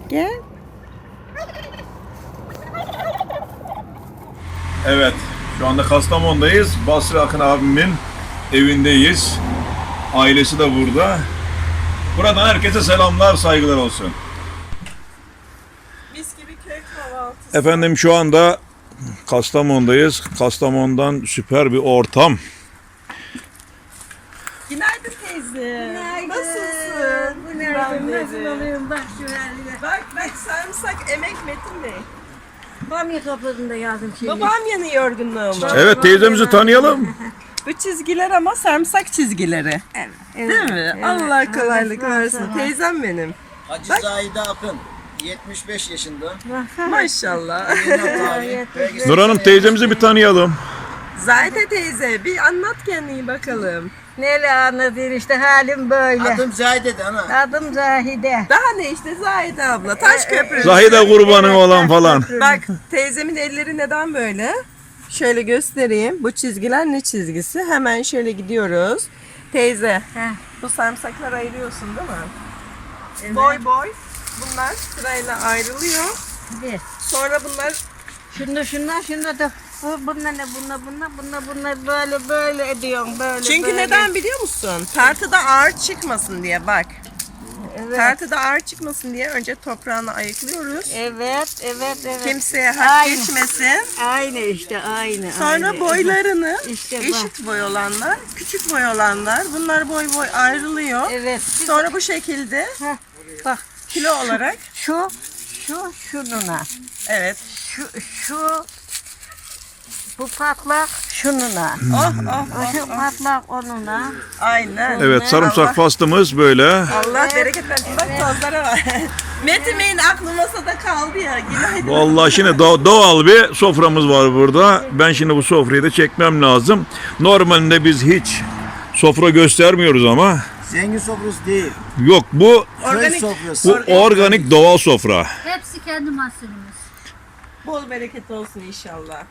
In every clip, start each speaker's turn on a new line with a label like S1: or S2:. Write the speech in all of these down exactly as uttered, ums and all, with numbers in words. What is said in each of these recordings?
S1: Gel.
S2: Evet, şu anda Kastamonu'dayız. Basri Akın abimin evindeyiz. Ailesi de burada. Buradan herkese selamlar, saygılar olsun.
S1: Mis gibi köy kahvaltısı.
S2: Efendim şu anda Kastamonu'dayız. Kastamonu'dan süper bir ortam.
S1: Günaydın teyze.
S3: Günaydın.
S1: Nasılsın?
S3: Günaydın.
S1: Ben
S3: Nasıl
S1: de.
S3: olayım? Bak şu haline.
S1: Bak bak sarımsak emek Metin Bey.
S3: Bamya kaplarında yazdım şimdi.
S1: Babam yanıyor yorgunluğumu.
S2: Evet, teyzemizi tanıyalım.
S1: Bu çizgiler ama sarımsak çizigileri.
S3: Evet.
S1: Değil mi?
S3: Evet.
S1: Allah kolaylık
S3: Evet,
S1: versin.
S3: evet.
S1: Teyzem benim.
S4: Hacı Zahide Akın, yetmiş beş yaşında.
S1: Maşallah.
S2: Nur Hanım, teyzemizi bir tanıyalım.
S1: Zahide teyze bir anlat kendini bakalım.
S3: Neyle anlatayım işte halim böyle.
S4: Adım Zahide'di ana.
S3: Adım Zahide.
S1: Daha ne işte Zahide abla. Taş köprü.
S2: Zahide kurbanı olan falan.
S1: Bak teyzemin elleri neden böyle? Şöyle göstereyim. Bu çizgiler ne çizgisi? Hemen şöyle gidiyoruz. Teyze,
S3: Heh.
S1: bu sarımsakları ayırıyorsun değil mi?
S3: Evet.
S1: Boy boy. Bunlar sırayla ayrılıyor.
S3: Bir.
S1: Sonra bunlar
S3: Şunda şunlar şunda da. Bu, bunlar ne bunlar bunlar bunlar bunlar böyle böyle ediyorum böyle
S1: çünkü
S3: böyle.
S1: neden biliyor musun? Tartıda ağır çıkmasın diye bak.
S3: Evet.
S1: Tartıda ağır çıkmasın diye önce toprağını ayıklıyoruz.
S3: Evet evet evet.
S1: Kimseye hak
S3: Aynı.
S1: geçmesin.
S3: Aynı işte aynı.
S1: Sonra
S3: aynı.
S1: boylarını
S3: İşte bak.
S1: eşit boy olanlar, küçük boy olanlar bunlar boy boy ayrılıyor.
S3: Evet.
S1: Sonra bu şekilde
S3: Heh, bak
S1: kilo olarak
S3: şu şu şununa.
S1: evet.
S3: Şu şu bu patlak şununa.
S1: Oh oh oh.
S3: Şu patlak onunla.
S1: Aynen.
S2: Evet, sarımsak
S1: Allah,
S2: fastımız böyle.
S1: Allah bereket versin. Bak tozlara var. Metin Bey'in aklı masada kaldı ya. Günaydın.
S2: Vallahi şimdi do- doğal bir soframız var burada. Ben şimdi bu sofrayı da çekmem lazım. Normalde biz hiç sofra göstermiyoruz ama
S4: Zengin sofrası değil.
S2: yok, bu
S4: Köy
S1: Organik,
S4: sofrası.
S2: bu organik doğal sofra.
S5: Hepsi kendi mahsulümüz.
S1: bol bereket olsun inşallah.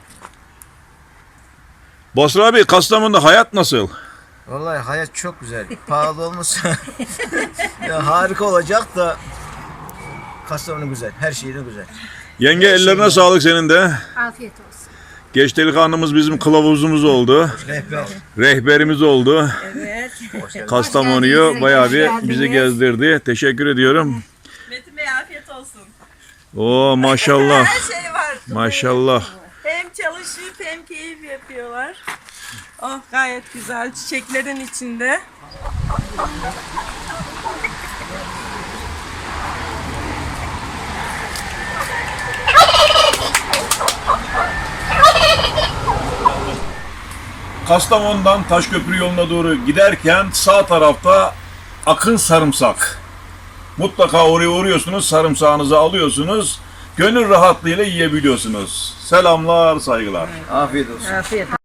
S2: Basri abi, Kastamonu'da hayat nasıl?
S4: Vallahi hayat çok güzel. Pahalı olmasa ya harika olacak da Kastamonu güzel. Her şeyi de güzel.
S2: Yenge, ellerine sağlık senin de.
S5: Afiyet olsun.
S2: Geç delikanlımız bizim kılavuzumuz oldu.
S4: Rehber.
S2: Rehberimiz oldu.
S1: Evet.
S2: Kastamonu'yu bayağı bir bizi gezdirdi. Teşekkür ediyorum.
S1: Metin Bey afiyet olsun.
S2: Oo, maşallah.
S1: Her şey var.
S2: Maşallah.
S1: Hem çalışıp hem keyif yapıyorlar. Oh gayet güzel çiçeklerin içinde.
S2: Kastamonu'dan Taşköprü yoluna doğru giderken sağ tarafta Akın Sarımsak. Mutlaka oraya uğruyorsunuz, sarımsağınızı alıyorsunuz. Gönül rahatlığıyla yiyebiliyorsunuz. Selamlar, saygılar.
S4: Afiyet olsun.
S3: Afiyet.